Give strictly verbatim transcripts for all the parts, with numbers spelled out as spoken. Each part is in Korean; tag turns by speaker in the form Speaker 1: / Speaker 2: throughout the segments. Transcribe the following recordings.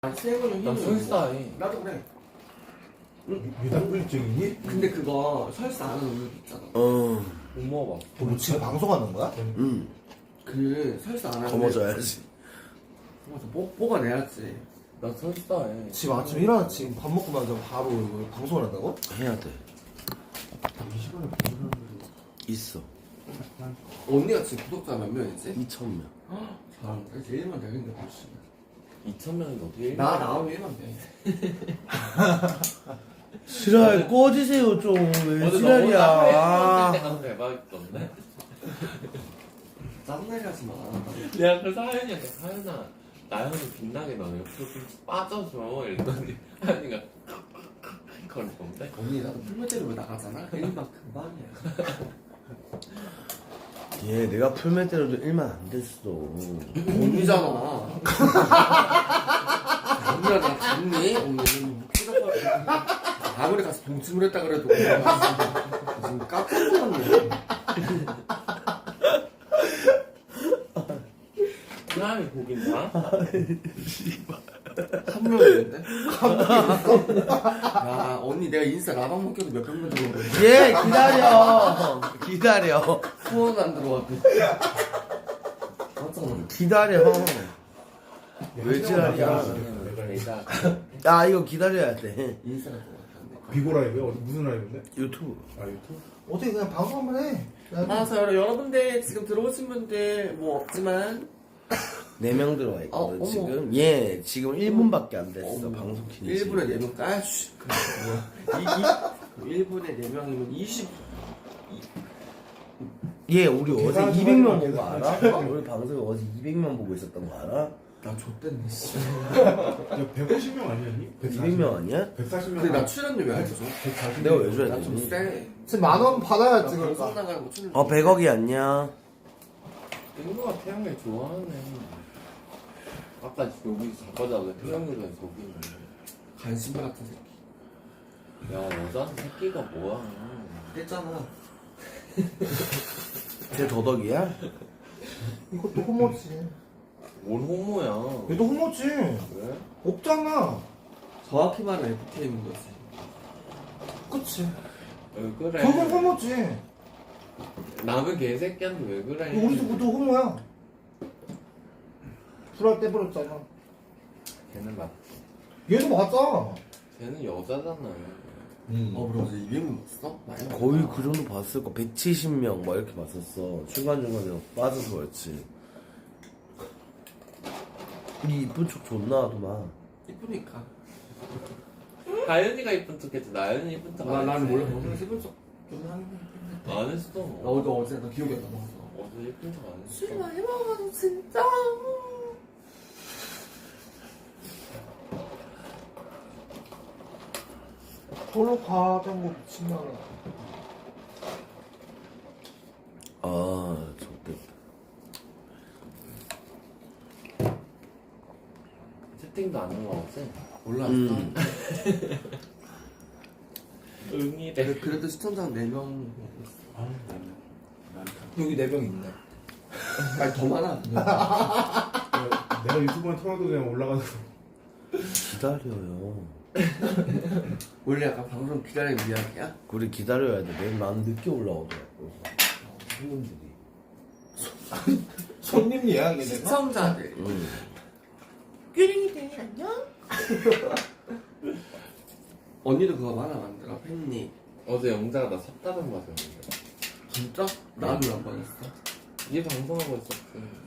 Speaker 1: 세븐은
Speaker 2: 난
Speaker 1: 힘이
Speaker 2: 설사해.
Speaker 1: 나도 그래.
Speaker 3: 유당불증이니?
Speaker 1: 근데 그거 설사 안 하는 우유도 있잖아.
Speaker 4: 어,
Speaker 2: 못 먹어봐.
Speaker 3: 뭐 지금 방송하는 거야?
Speaker 4: 응.
Speaker 1: 그 설사 안 하는
Speaker 4: 거머져야지.
Speaker 1: 맞아. 뽀, 뽑아내야지.
Speaker 2: 난 설사해.
Speaker 3: 지금 아침에 일어나 지금 밥 먹고 나서 바로 이거 방송을 한다고?
Speaker 4: 해야 돼.
Speaker 3: 이 시간에 보는 사람들이
Speaker 4: 있어.
Speaker 1: 언니가 지금 구독자 몇 명이지?
Speaker 4: 이천 명.
Speaker 1: 잘한다. 이제 일만 되겠는데 벌써.
Speaker 2: 이천 명이 어떻게
Speaker 1: 나 나오면 일만 돼.
Speaker 4: 지랄 꺼지세요 좀. 왜
Speaker 2: 어제
Speaker 4: 지랄이야.
Speaker 2: 너무 한 대박이던데?
Speaker 1: 짠내게 하지 마.
Speaker 2: 내가 그 사연이한테 사연아 나연이 빛나게 너네 옆으로 좀 빠져줘 이랬더니 하연이가 그럴 건데?
Speaker 1: 언니 나도 풀무대로 나가잖아. 일만 금방이야.
Speaker 4: 얘 내가 풀맨 때려도 일만 안 됐어.
Speaker 1: 언니잖아. 언니가 나 닮니? 언니는 키가 아무리 가서 동침을 했다 그래도 지금 깜짝 놀랐네.
Speaker 2: 사람이 보긴 봐?
Speaker 1: 한 명인데? 한 명인데? 야 언니 내가 인스타 라방 먹혀도 몇백 명 들어오래.
Speaker 4: 얘 기다려. 기다려.
Speaker 1: 후원 안 들어왔대. 깜짝 놀랐네.
Speaker 4: 기다려. 왜 지랄이야.
Speaker 2: 내가
Speaker 4: 아 이거 기다려야 돼.
Speaker 1: 인스타가 들어왔대.
Speaker 3: 비고 라이브야? 어디 무슨 라이브인데?
Speaker 4: 유튜브.
Speaker 3: 아 유튜브? 어떻게 그냥 방송 한번 해.
Speaker 1: 맞아요. 여러분들 지금 들어오신 분들 뭐 없지만
Speaker 4: 네 명 들어와
Speaker 1: 어,
Speaker 4: 있거든
Speaker 1: 어머.
Speaker 4: 지금. 얘 지금 일 분밖에 안 됐어.
Speaker 1: 어머.
Speaker 4: 방송 킨 지.
Speaker 1: 일 분에 네 명 까쉬. 일 분에 네 명이면 이십.
Speaker 4: 얘 우리 어제
Speaker 3: 계산
Speaker 4: 이백 명
Speaker 3: 좀
Speaker 4: 보고
Speaker 3: 하지 마.
Speaker 4: 알아? 우리 방송에 어제 이백 명 보고 있었던 거 알아?
Speaker 1: 나 좆됐네 씨.
Speaker 3: 야 백오십 명 아니었니?
Speaker 4: 이백 명 아니야?
Speaker 3: 백사십 명.
Speaker 1: 근데 나 출연료 왜 안 줘줘?
Speaker 3: 백사십
Speaker 4: 내가 왜 줘야
Speaker 1: 나좀
Speaker 4: 되니?
Speaker 1: 쎄.
Speaker 3: 지금 만 원
Speaker 1: 나
Speaker 3: 받아야지
Speaker 1: 방송
Speaker 3: 그러니까.
Speaker 1: 나가는 거 출연료.
Speaker 4: 어 백억이 아니야.
Speaker 2: 친구가 태양을 좋아하네. 아까 여기 자빠자고 태양이가 저기 있는데.
Speaker 1: 간신바 같은 새끼.
Speaker 2: 야 여자는 새끼가 뭐야?
Speaker 1: 했잖아.
Speaker 4: 쟤 도덕이야?
Speaker 3: 이것도 호모지.
Speaker 2: 뭔 호모야?
Speaker 3: 얘도 호모지.
Speaker 2: 왜?
Speaker 3: 없잖아.
Speaker 1: 정확히 말하면 에프케이인 거지.
Speaker 3: 그치.
Speaker 2: 왜 그래?
Speaker 3: 그건 호모지.
Speaker 2: 남의 개새끼한테 왜 그래?
Speaker 3: 우리도 모두 호모야. 불알 떼버렸잖아.
Speaker 2: 걔는 맞.
Speaker 3: 얘도 맞아.
Speaker 2: 걔는 여자잖아.
Speaker 3: 음.
Speaker 1: 어 그래 어제 이백 명 봤어? 많이
Speaker 4: 거의
Speaker 1: 봤다.
Speaker 4: 그 정도 봤을 거. 백칠십 명 막 이렇게 봤었어. 중간중간에 빠져서 그렇지. 이 이쁜 척 존나하더만.
Speaker 1: 이쁘니까.
Speaker 2: 가연이가 이쁜 척했지 나연이 이쁜 척
Speaker 1: 나
Speaker 2: 안
Speaker 1: 나는
Speaker 2: 했지.
Speaker 1: 원래 방송 세분 척좀 하는 거.
Speaker 2: 안 했어.
Speaker 1: 나 어제 어제 나 기억이 안 나.
Speaker 2: 어제 이쁜 척 안 했어.
Speaker 1: 술 많이 먹어가지고 진짜.
Speaker 3: 서로 가자고 미친년아.
Speaker 4: 아, 좋겠다.
Speaker 2: 채팅도 안 올라왔지?
Speaker 1: 올라왔어.
Speaker 4: 음.
Speaker 2: 응이래.
Speaker 1: 그래, 그래도 시청자 네 명.
Speaker 3: 아,
Speaker 5: 여기 네 명 있네.
Speaker 1: 아니 더 많아.
Speaker 3: 내가, 내가 유튜브에 털어도 그냥 올라가서.
Speaker 4: 기다려요.
Speaker 1: 원래 약간 방송 기다리는 이야기야?
Speaker 4: 우리 기다려야 돼. 내일 난 늦게 올라오더라고. 손님들이.
Speaker 3: 손님 예약이 내가?
Speaker 1: 시청자들.
Speaker 4: 응.
Speaker 1: 규링이들 안녕. 언니도 그거 많아 만들어 팬니.
Speaker 2: 어제 영자가 나 섭다는 맞았는데.
Speaker 1: 진짜? 나는 왜안 받았어?
Speaker 2: 얘 방송하고 있었지.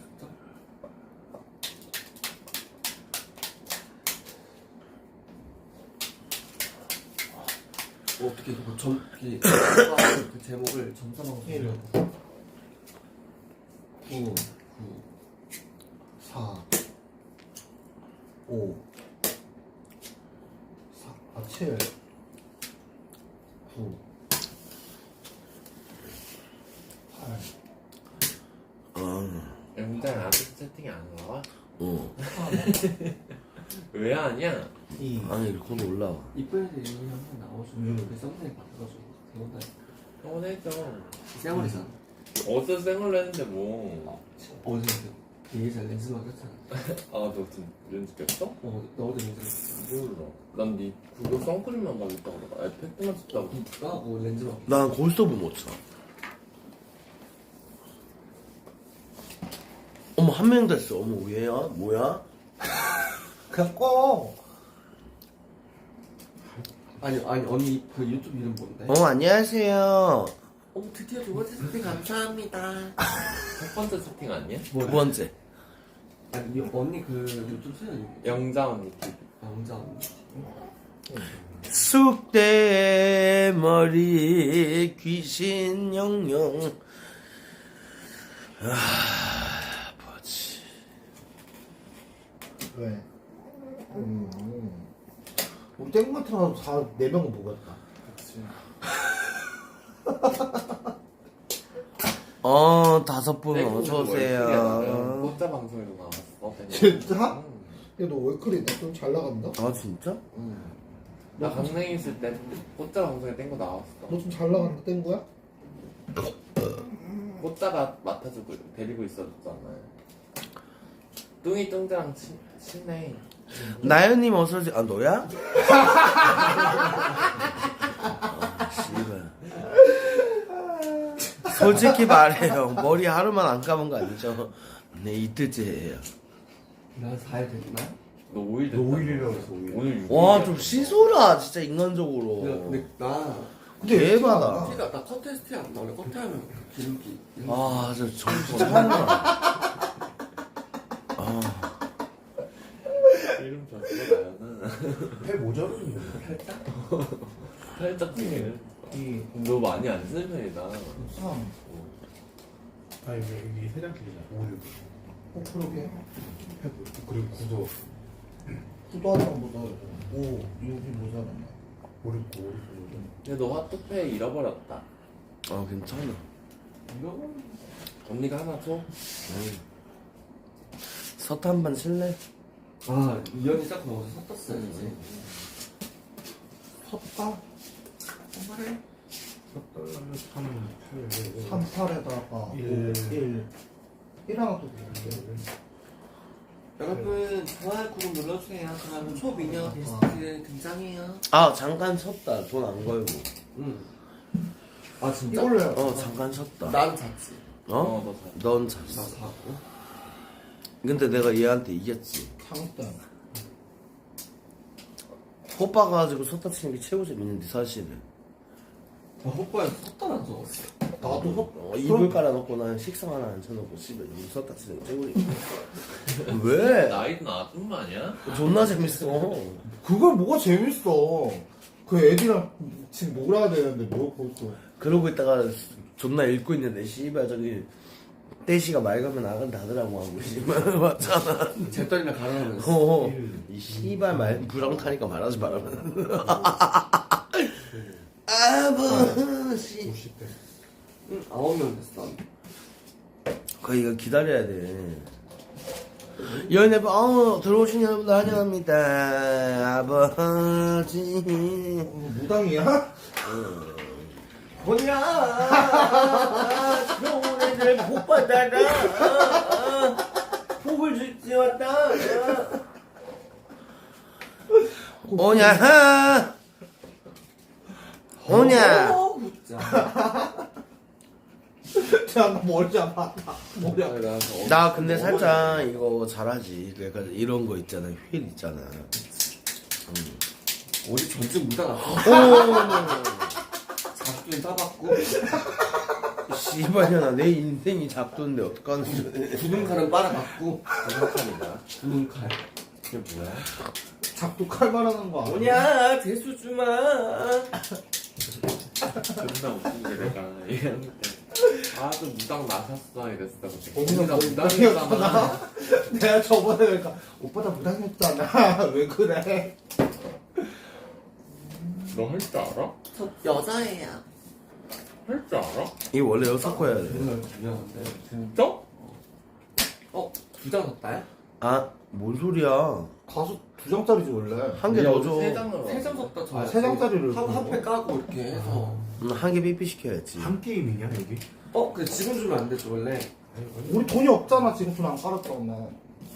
Speaker 1: 뭐 어떻게 그거 점, 그, 그 제목을 점사방송
Speaker 3: 구, 구, 사, 오, 사, 아, 칠, 구, 팔.
Speaker 4: 아,
Speaker 2: 영자는 아직 채팅이 안 나와?
Speaker 4: 어.
Speaker 2: 왜 아니야?
Speaker 3: 이.
Speaker 4: 아니, 이렇게 올라와.
Speaker 1: 이쁜 애들 이름이 한번 나와주면 그 썸네일 받아가지고 대본다.
Speaker 2: 서운해져.
Speaker 1: 쌩얼이잖아.
Speaker 2: 어제 생얼로 했는데 뭐.
Speaker 1: 어제 예전 렌즈 막혔잖아.
Speaker 2: 아너 지금 렌즈 꼈어?
Speaker 1: 어, 너도 렌즈
Speaker 2: 몰라. 난네 그거 선크림만 바르겠다고 그러다. 에펙트만 썼다고.
Speaker 1: 까고 렌즈 막.
Speaker 4: 난 골스톱을 못 쳐. 어머 한 명 됐어. 어머 얘야 뭐야?
Speaker 5: 그냥 꺼.
Speaker 1: 아니 아니 언니 그 유튜브 이름 뭔데?
Speaker 4: 어 안녕하세요.
Speaker 1: 어 드디어 두 번째 세팅 감사합니다.
Speaker 2: 첫 번째 세팅 아니야?
Speaker 4: 두 번째.
Speaker 1: 아니 이 언니 그 유튜브 채널 이름
Speaker 2: 영자 언니 티비.
Speaker 1: 영자 언니.
Speaker 4: 쑥대머리 귀신 영영. 아 뭐지?
Speaker 5: 왜? 음. 우리 땡마트라도 다 네 명은 보겠다.
Speaker 2: 그치.
Speaker 4: 어 다섯 분
Speaker 2: 땡
Speaker 4: 어서
Speaker 2: 네, 월클이야.
Speaker 4: 오세요.
Speaker 2: 꽃자 방송에도 나왔어.
Speaker 5: 진짜?
Speaker 2: 응.
Speaker 5: 야, 너 월클이다. 좀 잘 나간다?
Speaker 4: 아 진짜?
Speaker 2: 응. 나 강릉에 있을 때 꽃자 방송에 뗀 거 나왔어.
Speaker 5: 너 좀 잘 나간다, 뗀 거야?
Speaker 2: 꽃자가 맡아주고 데리고 있었잖아요. 뚱이 뚱자랑 친, 친해.
Speaker 4: 나연님 어서 오세요. 아 너야? 아, 씨발. 솔직히 말해요. 머리 하루만 안 감은 거 아니죠? 네 이틀째예요.
Speaker 1: 나 사 일 됐나?
Speaker 2: 너 오 일
Speaker 3: 너
Speaker 2: 됐다.
Speaker 3: 오 일이라고 했어, 오 일.
Speaker 2: 오늘 육 일.
Speaker 4: 와 좀 씻어라 진짜 인간적으로.
Speaker 1: 근데 나
Speaker 4: 대박이다.
Speaker 1: 티가 나 컨테스트에 안 나오네. 컨테하면 기름기.
Speaker 4: 아저 정신 차려. 아
Speaker 2: 이름 줬어 나연은.
Speaker 3: 해 모자르니.
Speaker 2: 살짝 찌네.
Speaker 5: 이,
Speaker 2: 너 많이 안 쓰는 편이다.
Speaker 5: 삼.
Speaker 3: 아 여기 여기 세 장씩이잖아. 오, 육.
Speaker 5: 어, 그러게.
Speaker 3: 그리고 구도
Speaker 5: 구도하는 것보다 오, 육이 모자라네.
Speaker 3: 오, 육, 오, 육.
Speaker 2: 근데 너 핫도페 잃어버렸다.
Speaker 4: 아, 괜찮아.
Speaker 1: 이거
Speaker 2: 언니가 하나 줘?
Speaker 4: 서트 한 번 칠래?
Speaker 1: 아 이현이 딱 먹어서 섰었어야지.
Speaker 5: 섰다?
Speaker 1: 그래?
Speaker 3: 삼, 팔,
Speaker 5: 삼, 팔에다가
Speaker 3: 일.
Speaker 5: 일. 일 하나 더 드릴게.
Speaker 1: 여러분 좋아요 구독 눌러주세요. 그러면 초미녀 게스트 등장해요.
Speaker 4: 아, 잠깐 섰다. 돈 안 걸고.
Speaker 1: 응. 아 진짜?
Speaker 5: 이걸로 해.
Speaker 4: 어, 잠깐 섰다.
Speaker 1: 난 잤지.
Speaker 4: 어?
Speaker 2: 어, 너 사.
Speaker 4: 넌
Speaker 1: 나
Speaker 4: 잤어.
Speaker 1: 자고.
Speaker 4: 근데 내가 얘한테 이겼지.
Speaker 5: 장땡.
Speaker 4: 호빠 가지고 섰다 치는 게 최고 재밌는데, 사실은.
Speaker 1: 나 호빠에 섰다란 적었어.
Speaker 5: 나도 섰.
Speaker 4: 어, 이불 깔아놓고 난 식상 하나 앉혀놓고 씨발 이거 섰다 치는 게 최고 재밌어. 왜?
Speaker 2: 나이도 아줌마 아니야?
Speaker 4: 존나 재밌어.
Speaker 5: 그걸 뭐가 재밌어. 그 애들이랑 지금 놀아야 되는데 뭐 벌써.
Speaker 4: 그러고 있다가 존나 읽고 있는데, 씨발 저기, 떼시가 맑으면 나간다 하더라고 하고, 씨발. 맞잖아.
Speaker 1: 잿더리나 가라면서.
Speaker 4: 어, 이 씨발 말 부랑 타니까 말하지 말라면. 아버지.
Speaker 3: 오십 대.
Speaker 1: 응, 아홉 명 됐어.
Speaker 4: 거 이거 기다려야 돼. 연애 어 들어오신 여러분들 환영합니다. 아버지.
Speaker 5: 어, 무당이야?
Speaker 4: 뭐냐? 좋은 애들 복 받아라. 복을 줄지 왔다. 오냐? 오냐?
Speaker 1: 어, 진짜.
Speaker 5: 자, 나 머리 잡아. 머리
Speaker 2: 아니, 나 어,
Speaker 4: 나 근데 살짝 이거 잘하지. 그러니까 이런 거 있잖아. 휠 있잖아.
Speaker 1: 어디 전직 무당 앞에
Speaker 4: 오,
Speaker 1: 잡기는 따봤고
Speaker 4: 씨발년아 내 인생이 잡돈데 어떡하는 소리야.
Speaker 1: 구능칼은 빨아봤고
Speaker 2: 구능칼이다.
Speaker 1: 구능칼.
Speaker 2: 그게 뭐야?
Speaker 5: 작두 칼 말하는 거 아니야?
Speaker 1: 뭐냐 대수 주마.
Speaker 2: 존나 웃긴 게 내가 얘기할 때 아주 무당 나셨어 이랬어.
Speaker 5: 언니가
Speaker 2: 나
Speaker 5: 무당이었구나.
Speaker 2: 무당이었잖아.
Speaker 5: 내가 저번에 그러니까 오빠 나 무당했잖아. 왜 그래?
Speaker 2: 너 할 줄 알아?
Speaker 1: 저 여자예요.
Speaker 2: 할 줄 알아?
Speaker 4: 이게 원래 여섯 거 해야 돼.
Speaker 1: 정말 중요한데.
Speaker 2: 진짜?
Speaker 1: 어? 두 장 샀다요?
Speaker 4: 아, 뭔 소리야.
Speaker 5: 가수 두 장짜리지 원래.
Speaker 4: 한 개 더 줘.
Speaker 2: 세 장으로.
Speaker 1: 세 장 샀다 저.
Speaker 5: 아, 세 장짜리를
Speaker 1: 한
Speaker 5: 그거?
Speaker 1: 한패 까고 이렇게 해서.
Speaker 4: 한 개 삐삐 시켜야지.
Speaker 3: 한 게임이냐 여기?
Speaker 1: 어? 근데 지금 주면 안 되지 원래.
Speaker 5: 우리 돈이 없잖아. 지금 돈 안 깔았다고. 나.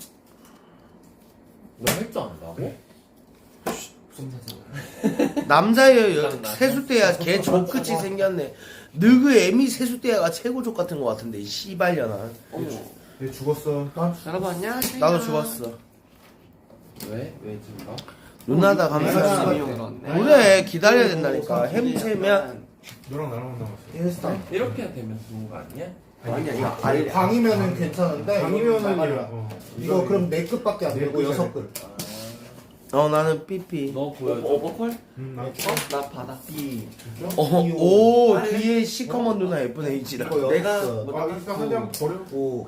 Speaker 2: 너 할 줄 안다고?
Speaker 1: 무슨 사잖아.
Speaker 4: 남자의 여-
Speaker 2: 나-
Speaker 4: 세수대야 개 족같이 생겼네. 너그 애미 세수대야가 최고 족 같은 것 같은데 이 씨발려나.
Speaker 1: 어머.
Speaker 3: 얘 죽었어.
Speaker 5: 난
Speaker 1: 여러분 안녕하세요.
Speaker 4: 나도 죽었어.
Speaker 2: 왜? 왜 죽어?
Speaker 4: 누나다
Speaker 1: 내가
Speaker 4: 감사합니다.
Speaker 1: 열었네.
Speaker 4: 그래 기다려야 된다니까. 햄채면
Speaker 3: 너랑 나랑 남았어.
Speaker 5: 일상.
Speaker 2: 이렇게 되면 좋은 거 아니야?
Speaker 1: 아니야 이거
Speaker 5: 아니,
Speaker 1: 아니
Speaker 5: 광이면은 괜찮은데.
Speaker 3: 강이면은
Speaker 5: 이거
Speaker 3: 어.
Speaker 5: 이거 그럼 네 끝밖에 안
Speaker 3: 네
Speaker 5: 되고
Speaker 3: 끝이야,
Speaker 5: 여섯
Speaker 3: 네
Speaker 5: 끝.
Speaker 4: 어 나는 삐삐.
Speaker 2: 너 보여줘.
Speaker 1: 오버콜?
Speaker 3: 응, 나.
Speaker 1: 어? 나 받아. 이.
Speaker 4: 어, 오 뒤에 시커먼 누나 예쁘네 이지라.
Speaker 5: 이거 여섯
Speaker 1: 내가
Speaker 5: 끝.
Speaker 1: 뭐
Speaker 3: 아, 일단 한 장 버려.
Speaker 5: 오,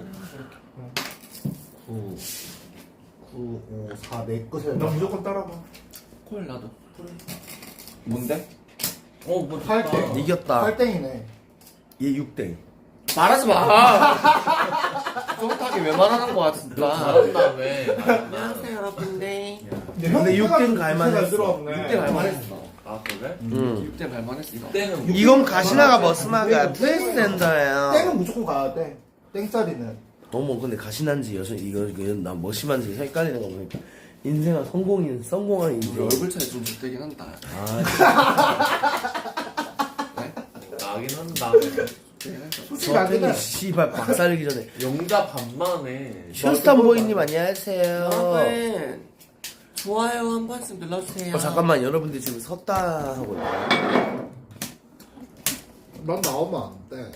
Speaker 5: 구, 구, 오, 사, 네 끝에.
Speaker 3: 나 무조건 따라가.
Speaker 1: 콜 나도. 뭔데?
Speaker 2: 어, 뭐
Speaker 5: 팔
Speaker 2: 좋다.
Speaker 5: 대.
Speaker 4: 이겼다.
Speaker 5: 팔 땡이네.
Speaker 4: 얘 육 대.
Speaker 1: 말하지 마. 정확하게 왜 말하는 거야 진짜.
Speaker 2: 잘한다며.
Speaker 1: 안녕하세요 여러분들.
Speaker 4: 근데 육 등 갈만했어.
Speaker 5: 들어왔네.
Speaker 1: 육 대 갈만했어.
Speaker 2: 아, 그래?
Speaker 4: 응.
Speaker 1: 육 대 갈만했어 이거.
Speaker 2: 그때는
Speaker 4: 이건 가시나가 머스마가 트랜스젠더예요.
Speaker 5: 땡은 무조건 가야 돼. 땡짜리는.
Speaker 4: 너무 근데 가시난지 여성 이거 이거 나 머시만지 헷갈리는 거 보니까 인생은 성공인 성공한
Speaker 1: 우리
Speaker 4: 인생.
Speaker 1: 얼굴 차이 좀 좁되긴 한다.
Speaker 2: 나긴 한다.
Speaker 5: 솔직히 안 되네.
Speaker 4: 서태이 씨발 박살내기 전에.
Speaker 2: 영자 반만해.
Speaker 4: 슈스탄보이님 안녕하세요.
Speaker 1: 여러분 좋아요 한 번씩 눌러주세요.
Speaker 4: 어 잠깐만 여러분들 지금 섰다 하고 있네.
Speaker 5: 난 나오면 안 돼.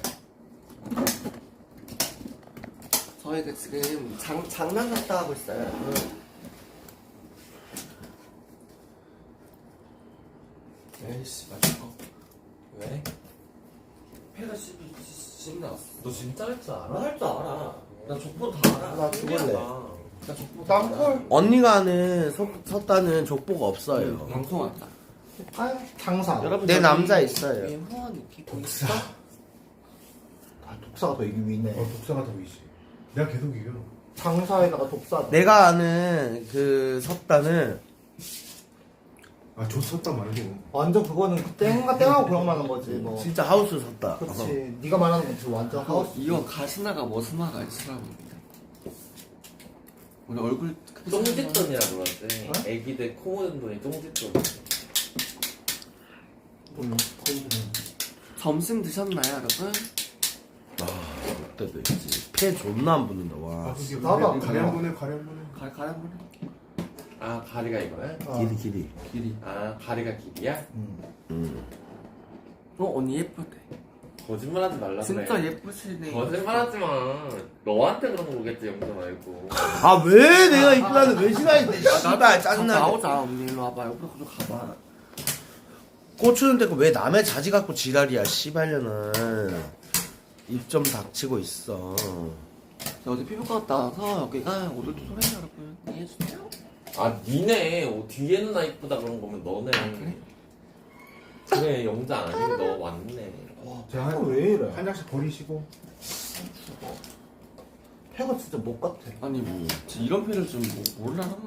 Speaker 1: 저희가 지금 장, 장난 같다 하고 있어요. 에이씨 맞춰.
Speaker 2: 왜?
Speaker 1: 패가 씹, 씹 나왔어.
Speaker 2: 너 진짜 할 줄 알아?
Speaker 1: 나할 줄 알아. 나 족보 다 알아.
Speaker 5: 나 죽을래.
Speaker 1: 나 족보 다 알아.
Speaker 5: 땅콜.
Speaker 4: 언니가 아는 석, 섰다는 족보가 없어요.
Speaker 1: 방송 왔다.
Speaker 5: 아, 장사.
Speaker 1: 여러분
Speaker 4: 내
Speaker 1: 저기
Speaker 4: 남자 있어요.
Speaker 1: 위에 후원 이렇게 보 있어?
Speaker 5: 아, 독사가 더 이기 위네.
Speaker 3: 어, 독사가 더 위지. 내가 계속 이겨.
Speaker 5: 장사에다가 독사.
Speaker 4: 내가 아는 그 섰다는
Speaker 3: 아, 좋섰다 말고.
Speaker 5: 완전 그거는 땡과 땡하고 그런 말하는 거지. 뭐.
Speaker 4: 진짜 하우스 섰다.
Speaker 5: 그렇지. 네가 말하는 건 지금 완전
Speaker 1: 하우스
Speaker 5: 하우스.
Speaker 1: 이거 가시나가 머스마가 있으라고. 우리 얼굴
Speaker 2: 쫑짓돈이라 그러지.
Speaker 5: 어?
Speaker 2: 애기들 코 묻은 돈이 쫑짓돈.
Speaker 5: 음, 거의
Speaker 1: 점심 드셨나요 여러분?
Speaker 4: 그때도 있지. 폐 존나 안 붙는다.
Speaker 3: 아,
Speaker 4: 와.
Speaker 3: 그게
Speaker 5: 나도 안
Speaker 3: 가리 한 번에, 가리 한 번에.
Speaker 1: 가, 가라 한번
Speaker 2: 아, 가리가 이거야?
Speaker 5: 어.
Speaker 4: 길이 길이.
Speaker 1: 길이.
Speaker 2: 아, 가리가 길이야?
Speaker 5: 음.
Speaker 4: 음.
Speaker 1: 어 언니 예쁘대.
Speaker 2: 거짓말하지 말라 그래.
Speaker 1: 진짜 예쁘시네.
Speaker 2: 거짓말하지 마. 너한테 그런 거겠지, 영자 말고.
Speaker 4: 아 왜 내가 이쁘다는 왜 싫어했는데 씨발 짜증나.
Speaker 1: 나오자 언니 일로 와봐. 옆으로 좀 가봐.
Speaker 4: 꽂히는 데고 왜 남의 자지 갖고 지랄이야 씨발려는. 입 좀 닥치고 있어.
Speaker 1: 저 어제 피부과 갔다 와서 여기가 오늘도 소리 여러분 이해해주세요.
Speaker 2: 아, 니네. 어, 뒤에는 나 이쁘다 그런 거면 너네.
Speaker 1: 그래?
Speaker 2: 그래, 영자 아니고 너 왔네.
Speaker 3: 자,
Speaker 5: 아,
Speaker 3: 한,
Speaker 5: 왜 이래?
Speaker 3: 한 장씩 버리시고.
Speaker 5: 패가 진짜 못 같아.
Speaker 1: 아니 뭐 진짜 이런 패를 좀 뭐, 몰라 하는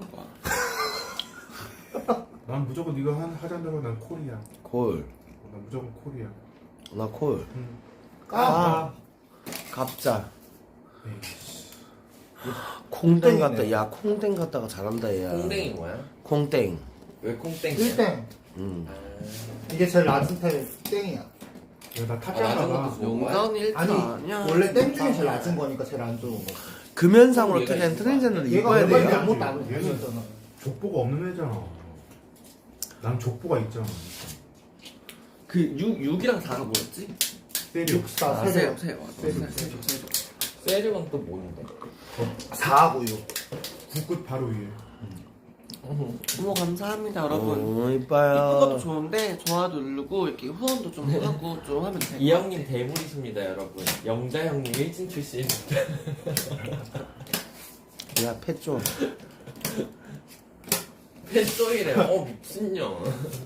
Speaker 1: 거야.
Speaker 3: 난 무조건 네가 한 하자는 대로 난 콜이야.
Speaker 4: 콜.
Speaker 3: 난 무조건 콜이야.
Speaker 4: 나 콜.
Speaker 3: 응.
Speaker 5: 까.
Speaker 4: 갑자.
Speaker 3: 에이씨.
Speaker 4: 콩땡 갔다. 야 콩땡 갔다가 잘한다 얘야.
Speaker 2: 콩땡이 뭐야?
Speaker 4: 콩땡.
Speaker 2: 왜 콩땡이야?
Speaker 5: 일 땡.
Speaker 4: 음.
Speaker 2: 아,
Speaker 5: 이게 제일 낮은 템 땡이야.
Speaker 3: 야, 나
Speaker 2: 아,
Speaker 3: 탑장가
Speaker 2: 나중에
Speaker 3: 봐.
Speaker 2: 또
Speaker 1: 용자언니 일 등
Speaker 5: 아니,
Speaker 1: 아니야.
Speaker 5: 원래 땡 중에 제일 낮은 거니까 제일 안 좋은 거.
Speaker 4: 금연상으로
Speaker 2: 얘가
Speaker 4: 트렌
Speaker 2: 이뻐.
Speaker 4: 트랜스젠더를
Speaker 5: 얘가
Speaker 4: 입어야
Speaker 5: 원래
Speaker 4: 돼요.
Speaker 5: 아무것도 안
Speaker 3: 얘는-
Speaker 5: 보였잖아.
Speaker 3: 족보가 없는 애잖아. 난 족보가 있잖아.
Speaker 1: 그 육, 육이랑 사가 뭐였지?
Speaker 3: 때려.
Speaker 5: 육사
Speaker 1: 아,
Speaker 5: 세대.
Speaker 1: 세요 세요.
Speaker 5: 세죠,
Speaker 1: 세죠 세죠 세죠.
Speaker 2: 세류는 또 뭔데?
Speaker 5: 사하고 육.
Speaker 3: 구 끝 바로 위에.
Speaker 1: 어머 감사합니다 여러분.
Speaker 4: 어
Speaker 1: 이것도
Speaker 4: 이뻐요.
Speaker 1: 좋은데 좋아요 누르고 이렇게 후원도 좀 하고 좀 하면 돼.
Speaker 2: 이 형님 대물이십니다, 여러분. 영자 형님 일진 출신.
Speaker 4: 야패 좀.
Speaker 2: 팬소이래. 어, 미친년.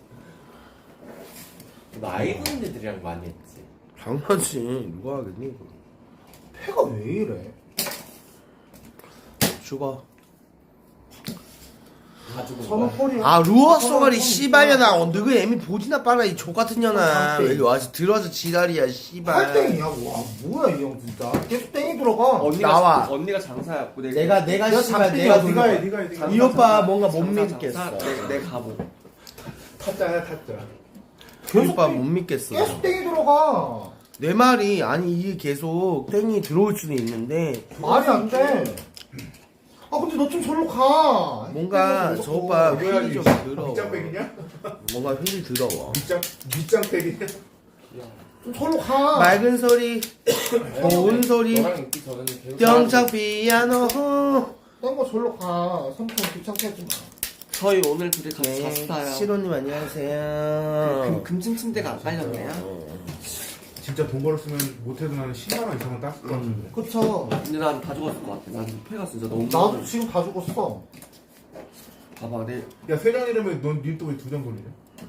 Speaker 2: 나이 드는 애들이랑 많이 했지.
Speaker 4: 당연하지. 누가 하겠니 이거.
Speaker 5: 패가 왜 이래?
Speaker 4: 죽어.
Speaker 1: 다 죽은
Speaker 5: 선우
Speaker 1: 거야.
Speaker 5: 콜이야.
Speaker 4: 아 루어 쏘가리 씨발년아 어 너그 애미 보지나 빨라 이 족같은 년아 왜 여기 와서 들어와서 지랄이야 씨발
Speaker 5: 팔땡이야. 와 뭐야 이 형 진짜. 계속 땡이 들어가.
Speaker 1: 언니가
Speaker 4: 나와.
Speaker 1: 언니가 장사였고 내가
Speaker 4: 내가 내가
Speaker 5: 내가
Speaker 4: 씨발
Speaker 5: 잡히니까
Speaker 4: 내가
Speaker 3: 네가 해,
Speaker 4: 돌려
Speaker 3: 네가 해, 네가 해.
Speaker 4: 이 오빠 뭔가 못
Speaker 1: 장사,
Speaker 4: 믿겠어
Speaker 1: 장사, 내, 내 가보.
Speaker 3: 타짜야 타짜.
Speaker 4: 이
Speaker 5: 계속
Speaker 4: 오빠
Speaker 5: 땡-
Speaker 4: 못 믿겠어
Speaker 5: 계속 땡이 들어가.
Speaker 4: 내 말이 아니 이게 계속 땡이 들어올 수는 있는데
Speaker 5: 말이 안 돼. 아 근데 너 좀 절로 가.
Speaker 4: 뭔가 저 오빠 휠이 좀 더러워
Speaker 3: 밑장백이냐?
Speaker 4: 뭔가 휠이 더러워
Speaker 3: 밑장 밑장백이냐?
Speaker 5: 좀 절로 가.
Speaker 4: 맑은 소리 고운 소리
Speaker 2: 너랑 있기 전에는 계속
Speaker 4: 병창 피아노
Speaker 5: 딴거 절로 가. 삼촌 귀찮게 하지 마.
Speaker 1: 저희 오늘 둘이 같이
Speaker 4: 네,
Speaker 1: 잤어요.
Speaker 4: 시로님 안녕하세요
Speaker 1: 금, 금층 침대가 안 깔렸네요.
Speaker 3: 진짜 돈 벌었으면 못해도 나는 십만 원 이상은 땄을 것 같은데.
Speaker 5: 그쵸.
Speaker 1: 근데 난 다 죽었을 것 같아. 난 폐가 진짜 너무.
Speaker 5: 나도 지금 다 죽었어.
Speaker 1: 봐봐, 내
Speaker 3: 야세 장이라면 넌니또왜두 장 돌리냐?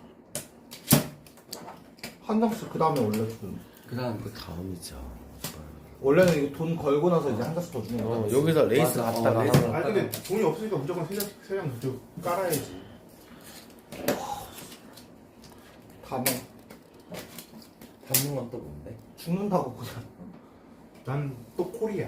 Speaker 5: 한 장씩 그 다음에 올려주고.
Speaker 1: 그 다음 그
Speaker 4: 다음이죠
Speaker 5: 원래는 이거 돈 걸고 나서 이제 한 장씩 더 주는
Speaker 4: 어,
Speaker 5: 거야.
Speaker 4: 여기서 레이스
Speaker 1: 맞아.
Speaker 4: 갔다가
Speaker 1: 어, 레이스
Speaker 4: 하면
Speaker 3: 아니 근데 돈이 없으니까 무조건 세 장, 세장 그쪽 깔아야지.
Speaker 5: 다만
Speaker 2: 담는 건 또 뭔데?
Speaker 5: 죽는다고 그냥.
Speaker 3: 난 또 콜이야.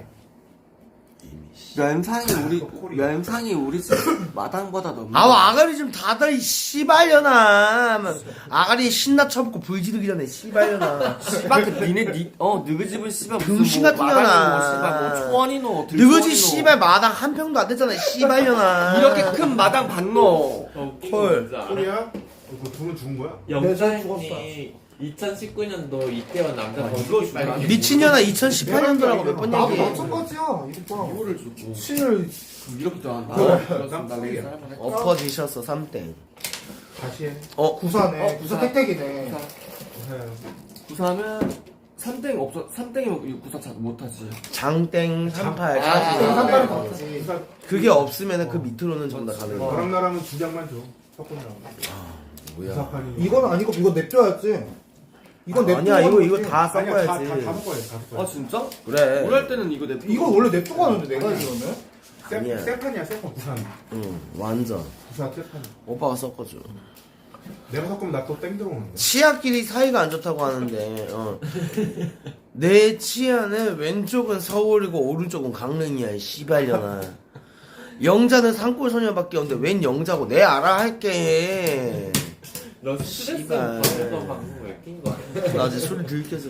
Speaker 1: 면상이 우리
Speaker 3: 또 콜이야.
Speaker 1: 면상이 우리 집 마당보다 너무.
Speaker 4: 아와 아가리 좀 닫아 이 씨발년아 아가리 신나 쳐먹고 불 지르기 전에 씨발년아
Speaker 1: 씨발 그 니네 니어 너희 집은 씨발 무슨
Speaker 4: 병신
Speaker 1: 뭐
Speaker 4: 같은
Speaker 1: 마당이
Speaker 4: 년아.
Speaker 1: 뭐 씨발 뭐 초원이노
Speaker 4: 너희지 씨발 마당 한 평도 안 됐잖아 씨발년아
Speaker 1: 이렇게 큰 마당 봤노.
Speaker 2: 어,
Speaker 4: 헐.
Speaker 3: 콜이야? 어, 그 둘은 죽은 거야?
Speaker 2: 영자님이 이천십구 년도 이태원 남자
Speaker 1: 아,
Speaker 2: 번식이
Speaker 1: 이거
Speaker 2: 빨개
Speaker 4: 미친년아 이천십팔 년도라고 몇 번
Speaker 5: 나도
Speaker 4: 얘기해
Speaker 5: 마찬가지야. 이거 봐.
Speaker 1: 이거를 주고
Speaker 5: 신을
Speaker 1: 이렇게 좋아한다.
Speaker 3: 난
Speaker 1: 그렇습니다.
Speaker 3: 콜이야.
Speaker 1: 레이스 한번 할까?
Speaker 4: 엎어지셨어 삼땡
Speaker 3: 다시 해.
Speaker 4: 어
Speaker 5: 구사네.
Speaker 1: 어,
Speaker 5: 구사
Speaker 1: 구사.
Speaker 5: 택택이네.
Speaker 1: 구사.
Speaker 3: 해.
Speaker 1: 구사는 삼땡 없어. 삼땡이면 구사 잘 못하지.
Speaker 4: 장땡 삼팔
Speaker 1: 아,
Speaker 5: 땡
Speaker 1: 아,
Speaker 5: 삼팔이
Speaker 1: 아,
Speaker 5: 더 크지.
Speaker 3: 그러니까
Speaker 4: 그게 없으면 그 밑으로는 전부 다 가는 거야
Speaker 3: 너랑 나랑은 두 장만 줘. 섞은다고.
Speaker 4: 뭐야
Speaker 3: 구사판이.
Speaker 5: 이건 아니고 이건 냅둬야지. 이건 냅두고
Speaker 4: 아니야 이거
Speaker 5: 하는
Speaker 4: 이거
Speaker 5: 거지.
Speaker 4: 다
Speaker 3: 아니야 다, 다,
Speaker 4: 섞어야지
Speaker 3: 다 섞어야 돼. 다 섞어야
Speaker 1: 아
Speaker 3: 돼.
Speaker 1: 진짜?
Speaker 4: 그래
Speaker 1: 오랄 때는 이거 내.
Speaker 5: 이건 원래 냅두고 하는데 내가 이러면.
Speaker 4: 아니야.
Speaker 3: 세, 세판이야 세판 구사.
Speaker 4: 응 완전
Speaker 3: 구사 세판.
Speaker 4: 오빠가 섞어줘
Speaker 3: 내가 섞으면 나 또 땡 들어오는데.
Speaker 4: 치아끼리 사이가 안 좋다고 하는데 어. 내 치아는 왼쪽은 서울이고 오른쪽은 강릉이야 이 씨발년아 영자는 산골 소녀밖에 없는데 웬 영자고 내 알아 할게
Speaker 2: 너 스트레스
Speaker 4: 씨발.
Speaker 2: 받는 방송 왜낀 거야?
Speaker 4: 나 이제 소리 들켰어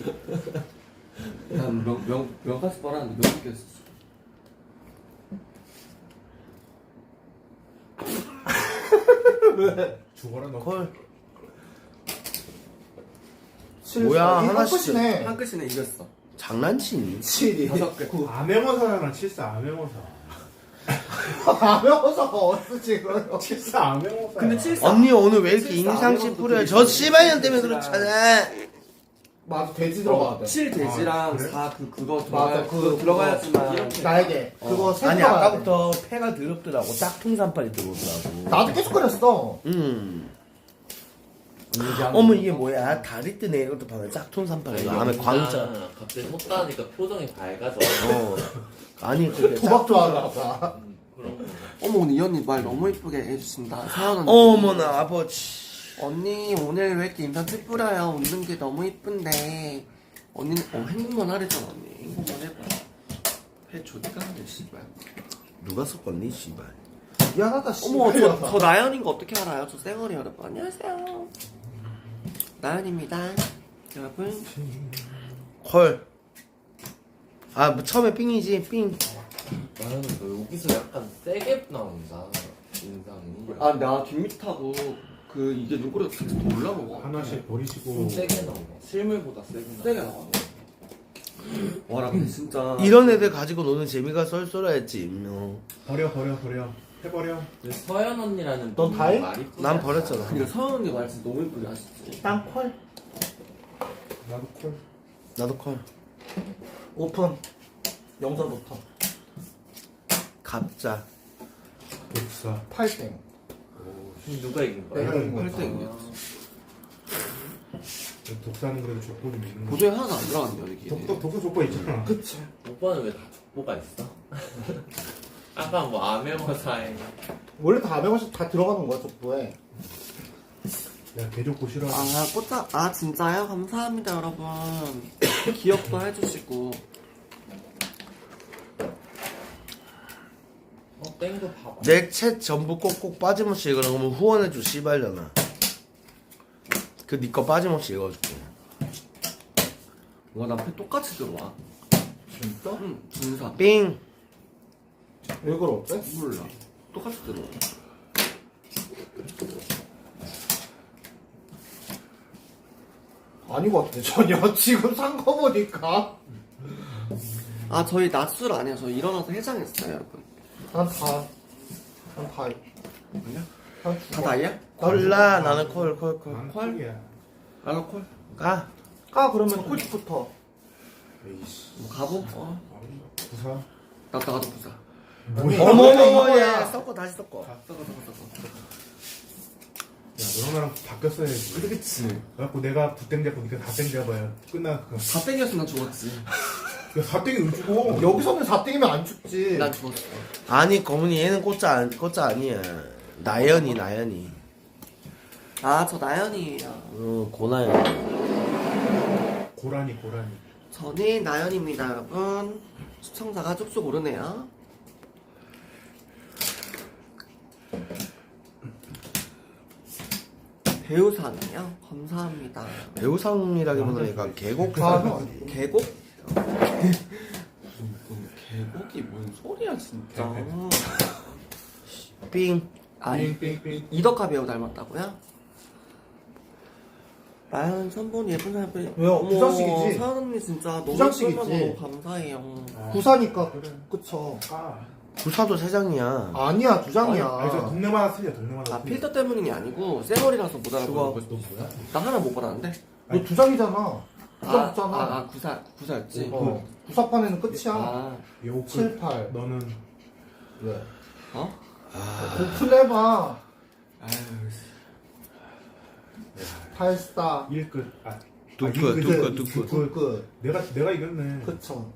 Speaker 1: 난명명 명가스 뻔하는데 명 깼어.
Speaker 3: 죽어라 너.
Speaker 4: 콜
Speaker 5: 칠,
Speaker 4: 뭐야,
Speaker 5: 사, 이
Speaker 4: 하나씩.
Speaker 5: 끝이네.
Speaker 1: 한 끗이네 이겼어.
Speaker 4: 장난치니
Speaker 5: 칠이.
Speaker 1: 다섯 개.
Speaker 3: 암행어사잖아 칠사 암행어사.
Speaker 5: 가면서가 어스 지금.
Speaker 3: 칠사 암행어사.
Speaker 1: 근데 칠사.
Speaker 4: 언니 오늘 왜 이렇게
Speaker 1: 칠사
Speaker 4: 인상씨
Speaker 1: 아무것도
Speaker 4: 뿌려요
Speaker 1: 되게
Speaker 4: 저
Speaker 1: 칠사
Speaker 4: 씨발년 때문에
Speaker 1: 칠사.
Speaker 4: 그렇잖아
Speaker 5: 맞아 돼지 들어가야 돼.
Speaker 1: 칠 돼지랑
Speaker 3: 아, 그래?
Speaker 1: 사 그 그거
Speaker 5: 맞아,
Speaker 1: 들어가
Speaker 5: 그-
Speaker 1: 그거 들어가야지만
Speaker 2: 이렇게.
Speaker 5: 날개. 그거 세
Speaker 4: 아니
Speaker 5: 들어가야 돼.
Speaker 4: 아까부터 폐가 더럽더라고 짝퉁산팔이 들어오더라고
Speaker 5: 나도 계속 그랬어.
Speaker 4: 음 어머 이게 뭐야 다리 뜨네 이것도 봐봐 짝퉁산팔이 다음에 광자
Speaker 2: 갑자기 섰다니까 표정이 밝아져.
Speaker 4: 어 아니 그게
Speaker 5: 도박 좋아하나 봐.
Speaker 2: 음, 그런 거.
Speaker 1: 어머 오늘 이 언니 말 너무 이쁘게 해주신다. 세연 언니.
Speaker 4: 어머나 아버지
Speaker 1: 언니 오늘 왜 이렇게 인상 찌푸려요? 웃는 게 너무 이쁜데 언니는 어 행복만 하랬잖아 언니. 행복만 해봐. 해 조디가는데 씨발.
Speaker 4: 누가 섞었니 씨발
Speaker 5: 미안하다
Speaker 1: 어머
Speaker 5: 씨발.
Speaker 1: 저, 저 나연인 거 어떻게 알아요? 저 쌩얼이 여러분 안녕하세요. 나연입니다. 여러분.
Speaker 4: 헐 아, 뭐 처음에 삥이지, 삥.
Speaker 2: 나는 너 여기서 약간 세게 나온다 인상이.
Speaker 1: 아 나 뒷밑 타고 그 이게 눈꼬리가 진짜 더 올라먹어.
Speaker 3: 하나씩 버리시고.
Speaker 2: 좀 세게 나온 거. 실물보다 세게 나온
Speaker 1: 세게 나와. 와라 근데 진짜.
Speaker 4: 이런 애들 가지고 노는 재미가 쏠쏠하지. 어.
Speaker 3: 버려 버려 버려. 해버려.
Speaker 2: 근데 서연 언니라는
Speaker 5: 넌
Speaker 2: 분이
Speaker 5: 다 해?
Speaker 2: 말이 이쁘지
Speaker 4: 난
Speaker 2: 않아?
Speaker 4: 버렸잖아.
Speaker 1: 그러니까 서연 언니 말 진짜 너무 이쁘게 하시지.
Speaker 5: 땅콜.
Speaker 3: 나도 콜.
Speaker 4: 나도 콜.
Speaker 5: 오픈. 영상부터.
Speaker 4: 갑자.
Speaker 3: 독사.
Speaker 5: 팔땡.
Speaker 2: 누가 이긴 거야?
Speaker 5: 내가 이긴
Speaker 1: 팔
Speaker 5: 거야.
Speaker 1: 땡이야.
Speaker 3: 독사는 그래도 족보 좀 있는 거.
Speaker 1: 보조에 하나도 안 들어갔네요 이게.
Speaker 3: 독도 독도 족보 있잖아.
Speaker 5: 그치.
Speaker 2: 오빠는 왜 다 족보가 있어? 아까 뭐 암행어사에
Speaker 5: 원래 다 아메바시 다 들어가는 거야 족보에.
Speaker 3: 야, 개 좋고 싫어.
Speaker 1: 아 꽃자 아 진짜요? 감사합니다 여러분. 기억도 해주시고.
Speaker 2: 어 땡도 봐봐.
Speaker 4: 내 챗 전부 꼭꼭 빠짐없이 읽으라 그러면 후원해줘 씨발잖아. 그 니 거 빠짐없이 읽어줄게.
Speaker 1: 와 남편 똑같이 들어와.
Speaker 5: 진짜?
Speaker 1: 응 준사.
Speaker 4: 삥.
Speaker 5: 왜 그러지?
Speaker 1: 몰라. 똑같이 들어와.
Speaker 5: 아닌 것 같아 전혀. 지금 산 거 보니까.
Speaker 1: 아 저희 낮술 안 해요. 저 일어나서 해장했어요 여러분.
Speaker 5: 난 다. 난 다.
Speaker 1: 뭐냐?
Speaker 5: 난
Speaker 1: 다 다이야?
Speaker 4: 콜라 나는 콜 콜 콜.
Speaker 3: 난
Speaker 1: 콜?
Speaker 3: 콜이야.
Speaker 1: 알로콜?
Speaker 4: 까.
Speaker 5: 까 그러면 콜부터.
Speaker 3: 에이씨.
Speaker 1: 뭐 가보? 어.
Speaker 3: 부사.
Speaker 1: 나 나가도 부자.
Speaker 5: 뭐야?
Speaker 4: 어머머머
Speaker 5: 이거야.
Speaker 4: 예. 섞어 다시 섞어.
Speaker 1: 썩어 썩어 썩어.
Speaker 3: 야, 너랑 나랑 바뀌었어야지.
Speaker 1: 그치.
Speaker 3: 그래갖고 내가 부땡 잡고 니가 다땡 잡아야 끝나. 그
Speaker 1: 다 땡겼으면 난 죽었지.
Speaker 3: 사땡이 왜 죽어?
Speaker 5: 여기서는 사 땡이면 안 죽지.
Speaker 1: 난 죽었어.
Speaker 4: 아니 거문이 얘는 꽃자 안 꽃자 아니야. 나연이 나연이.
Speaker 1: 아 저 나연이에요.
Speaker 4: 어 고나연.
Speaker 3: 고라니 고라니.
Speaker 1: 저는 나연입니다 여러분. 시청자가 쭉쭉 오르네요. 배우상이요? 감사합니다.
Speaker 4: 배우상이라기보다는 얘가 계곡
Speaker 5: 아,
Speaker 4: 상.
Speaker 1: 계곡? 무슨 계곡이 뭔 소리야 진짜.
Speaker 4: 삥.
Speaker 1: 아니
Speaker 3: 삥삥삥.
Speaker 1: 이덕화 배우 닮았다고요? 나연 선본 예쁜 사람 빼.
Speaker 5: 왜요? 부산식이지?
Speaker 1: 서연 언니 진짜 너무
Speaker 5: 부산식이지?
Speaker 1: 예쁜 거 너무 감사해요.
Speaker 5: 구사니까 그래. 그쵸.
Speaker 3: 까.
Speaker 4: 부사도 세 장이야.
Speaker 5: 아니야 두 장이야.
Speaker 3: 아니 저 동네마다 틀려 동네마다.
Speaker 1: 아
Speaker 3: 틀려.
Speaker 1: 필터 때문이 아니고 쌩얼이라서 못 알아보는
Speaker 4: 좋아.
Speaker 1: 거지.
Speaker 3: 너 뭐야?
Speaker 1: 나 하나 못 받았는데.
Speaker 5: 너 두 장이잖아. 구사
Speaker 1: 아,
Speaker 5: 없잖아.
Speaker 1: 아, 아 구사 구사였지.
Speaker 5: 어. 구사판에는 끝이야.
Speaker 1: 아
Speaker 3: 요크.
Speaker 5: 칠, 팔.
Speaker 3: 너는
Speaker 5: 왜?
Speaker 1: 어?
Speaker 5: 고플해봐.
Speaker 1: 아유
Speaker 5: 팔스타.
Speaker 3: 일 끝. 아.
Speaker 4: 두
Speaker 3: 아,
Speaker 4: 끝,
Speaker 3: 일
Speaker 4: 두
Speaker 3: 끝.
Speaker 4: 끝, 두 끝.
Speaker 5: 그, 그,
Speaker 3: 내가 내가 이겼네.
Speaker 5: 그쵸.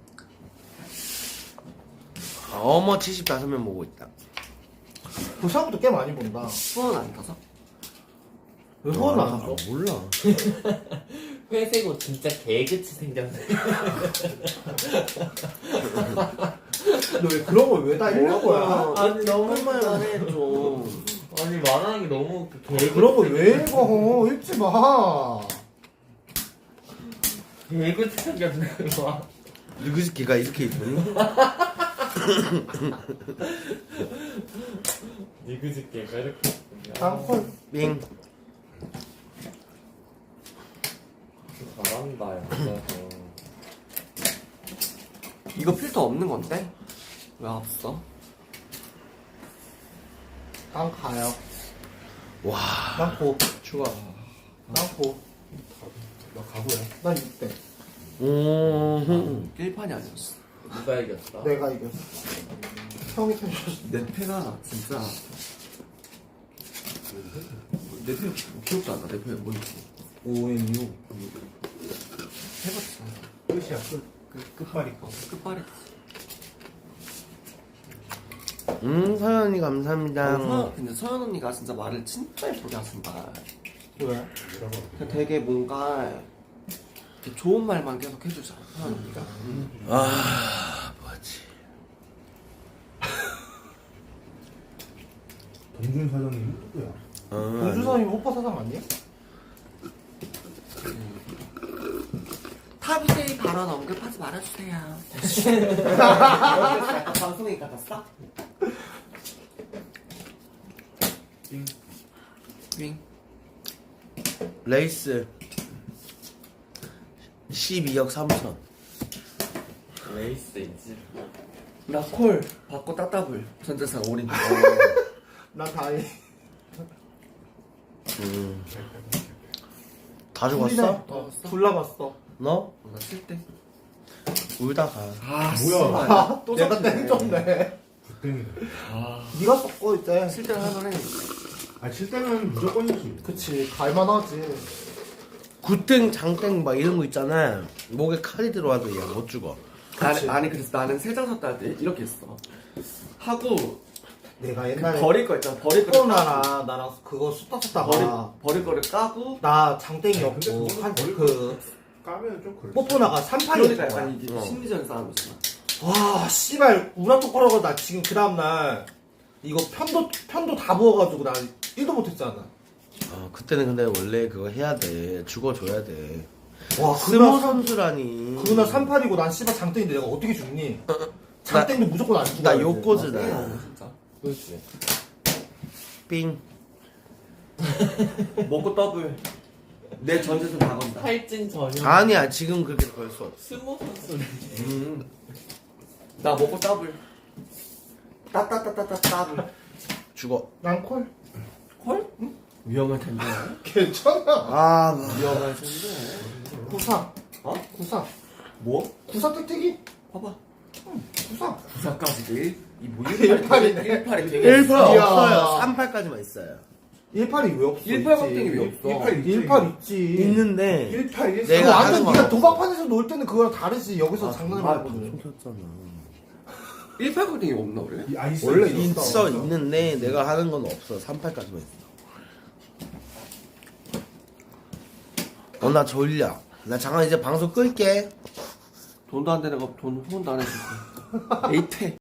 Speaker 4: 어머 칠십오 명 보고 있다.
Speaker 5: 구사부터 꽤 많이 본다.
Speaker 1: 수원 안 타서?
Speaker 5: 왜 후원 안 하죠?
Speaker 4: 몰라.
Speaker 2: 회색 옷 진짜 개그치 생겼네.
Speaker 5: 너 왜 그런 걸 왜 다 읽는 거야?
Speaker 2: 아니 너무
Speaker 1: 말만 해 좀.
Speaker 2: 아니 말하는 게 너무 개그.
Speaker 5: 그런 걸 왜 읽어? 읽지 마.
Speaker 2: 개그치 생겼네. 와.
Speaker 4: 누구 걔가 이렇게 이쁘니?
Speaker 2: 니그지 개가 이렇게.
Speaker 5: 다음 콜.
Speaker 4: 삥.
Speaker 2: 잘한다 야.
Speaker 1: 이거 필터 없는 건데? 왜 없어?
Speaker 5: 난 가요.
Speaker 4: 와.
Speaker 5: 난 고.
Speaker 1: 좋아.
Speaker 5: 난 고.
Speaker 3: 너 가보야.
Speaker 5: 난 육 대.
Speaker 4: 오.
Speaker 1: 일판이 아니었어.
Speaker 2: 누가 이겼어?
Speaker 5: 내가 이겼어. 형이 태워줬어.
Speaker 1: 내 패가 진짜 내 패 기억도 안 나. 내 패가 뭔지.
Speaker 5: 오엔유.
Speaker 1: 해봤어.
Speaker 3: 끝이야 끝. 끝 끝발이 거.
Speaker 1: 끝발이.
Speaker 4: 음 서연이 감사합니다.
Speaker 1: 서, 근데 서연 언니가 진짜 말을 진짜 예쁘게 하신다.
Speaker 5: 왜?
Speaker 3: 뭐라고?
Speaker 1: 그냥 되게 뭔가 이렇게 좋은 말만 계속 해주잖아. 서연 언니가.
Speaker 4: 아 뭐지?
Speaker 3: 동준 사장님 누구야?
Speaker 4: 어,
Speaker 5: 공주사님 오빠 사장 아니야?
Speaker 1: 타비데이 발언 언급하지 말아주세요. 약간 방송인 같았어?
Speaker 3: 띵.
Speaker 1: 윙.
Speaker 4: 레이스 십이억 삼천.
Speaker 2: 레이스 있지.
Speaker 1: 나콜 받고 따따블 전재산 올인.
Speaker 5: 나 다이.
Speaker 4: 음. 다 죽었어?
Speaker 5: 어, 둘 남았어.
Speaker 4: 너?
Speaker 1: 나 칠 대.
Speaker 4: 울다가.
Speaker 1: 아
Speaker 3: 뭐야?
Speaker 5: 아, 또 내가 땡줬네.
Speaker 3: 부땡이다.
Speaker 5: 네가 섞어 이제.
Speaker 1: 칠 대를 하면 해.
Speaker 3: 아 칠 때는 무조건이지.
Speaker 5: 그치, 갈만하지.
Speaker 4: 굿땡 장땡 막 이런 거 있잖아. 목에 칼이 들어와도 얘 못 죽어.
Speaker 1: 아니, 아니 그래서 나는 세 장 샀다 할 때 이렇게 했어. 하고
Speaker 5: 내가 옛날에
Speaker 1: 버릴 거 있잖아. 버릴 거.
Speaker 5: 코로나나 나랑 그거 수다
Speaker 1: 버릴
Speaker 5: 쓰다가
Speaker 1: 버릴 거를 까고.
Speaker 5: 나
Speaker 3: 야,
Speaker 5: 장땡이었고
Speaker 3: 근데 그거는
Speaker 5: 한
Speaker 3: 버릴
Speaker 5: 그
Speaker 3: 까면 좀 그래.
Speaker 5: 뽀뽀나가
Speaker 1: 그러니까
Speaker 5: 삼판이었어.
Speaker 1: 약간 이게
Speaker 4: 어.
Speaker 1: 심리전 싸움이잖아.
Speaker 5: 와 씨발 우라통 걸어가 나 지금 그 다음날 이거 편도 편도 다 부어가지고 나 일도 못했잖아.
Speaker 4: 어, 그때는 근데 원래 그거 해야 돼. 죽어줘야 돼.
Speaker 5: 와
Speaker 4: 스모
Speaker 5: 그날
Speaker 4: 선수라니.
Speaker 5: 그날 삼팔이고 난 씨발 장땡인데 내가 어떻게 죽니? 장땡도 무조건 안 죽어.
Speaker 4: 나 요코즈다.
Speaker 1: 진짜.
Speaker 2: 그렇지.
Speaker 4: 삥.
Speaker 1: 먹고 더블. 내 전재산 다 건다.
Speaker 2: 탈진 전혀.
Speaker 4: 아니야 지금 그렇게 걸 수 없어.
Speaker 2: 스모 선수를.
Speaker 1: 음. 나 먹고 더블. 따따따따따 더블.
Speaker 4: 죽어.
Speaker 5: 난 콜.
Speaker 1: 콜? 응? 위험할 텐데.
Speaker 5: 괜찮아.
Speaker 4: 아
Speaker 1: 위험할 텐데.
Speaker 5: 구사.
Speaker 1: 어?
Speaker 5: 구사.
Speaker 1: 뭐?
Speaker 5: 구사 뜩튀기.
Speaker 1: 봐봐.
Speaker 5: 구사.
Speaker 1: 구사까지. 이뭐
Speaker 5: 일팔이네.
Speaker 1: 일팔이 되게.
Speaker 4: 일 팔
Speaker 5: 이야.
Speaker 4: 없어요. 삼팔까지만 있어요.
Speaker 5: 일팔이 왜 없어?
Speaker 1: 일팔
Speaker 5: 있지.
Speaker 1: 박땡이 왜 없어?
Speaker 3: 일팔 있지.
Speaker 5: 일팔 있지.
Speaker 4: 있는데
Speaker 3: 일팔 일
Speaker 4: 내가
Speaker 5: 그거
Speaker 4: 하는
Speaker 5: 완전
Speaker 4: 건
Speaker 5: 네가
Speaker 4: 없어.
Speaker 5: 도박판에서 놀 때는 그거랑 다르지. 여기서
Speaker 4: 아,
Speaker 5: 장난을
Speaker 1: 아,
Speaker 5: 하거든.
Speaker 4: 쳤잖아.
Speaker 1: 일팔 박땡이 없나 원래?
Speaker 3: 아 있어.
Speaker 5: 원래
Speaker 3: 있어.
Speaker 4: 있어 있는데 내가 하는 건 없어. 삼팔까지만 있어. 어 나 졸려. 나 잠깐 이제 방송 끌게.
Speaker 1: 돈도 안 되는 거 돈 후원도 안 해주고. 에이테.